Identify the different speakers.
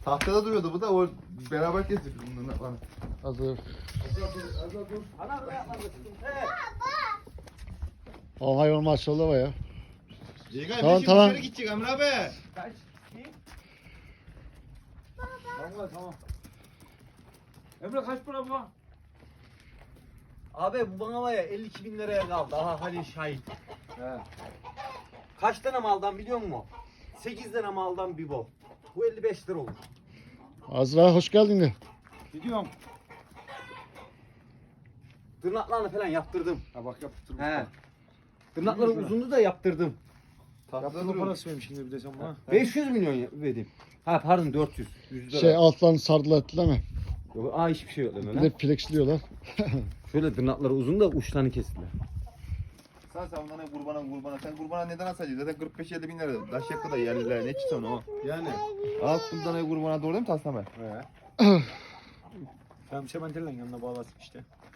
Speaker 1: Tahtada duruyordu bu da o beraber kestik bunları bana.
Speaker 2: Hazır.
Speaker 3: Ana buraya atladı.
Speaker 2: O hayvan maşallah var ya.
Speaker 1: Cegay
Speaker 2: Tamam,
Speaker 1: şimdi
Speaker 2: tamam.
Speaker 1: dışarı gidecek Emre abi.
Speaker 3: Kaç? Tamam. Emre kaç para bu? Abi bu bana var ya 52 bin liraya kaldı. Aha Halil şahit.
Speaker 1: He.
Speaker 3: Kaç tane maldan biliyor musun? 8 tane maldan bir bol. Bu 55 lira olur.
Speaker 2: Azra hoş geldin de.
Speaker 3: Gidiyorum. Tırnaklarını falan yaptırdım.
Speaker 1: Ha bak yaptırmış.
Speaker 3: He. Tırnakları uzundu da yaptırdım.
Speaker 1: Tahtada
Speaker 4: Yaptırma
Speaker 1: duruyordu.
Speaker 4: parası vermiş şimdi bir de sen bana.
Speaker 3: 500 milyon verdim. Ha pardon 400. 100 lira.
Speaker 2: Şey altlarını sardılar ettiler mi?
Speaker 3: Yok, hiçbir şey yok
Speaker 2: Bir
Speaker 3: lan.
Speaker 2: de flexliyorlar.
Speaker 3: Şöyle tırnakları uzun da uçlarını kestiler.
Speaker 1: Sen bundan kurbana. Sen kurbana neden asacaksın? Zaten 45-50 bin lira. Daş yakı da yerliler. Ne çıksın o?
Speaker 4: Yani.
Speaker 1: Al bundan kurbana doğru değil mi Tasname?
Speaker 4: Tamam sementerle yanına bağlasın işte.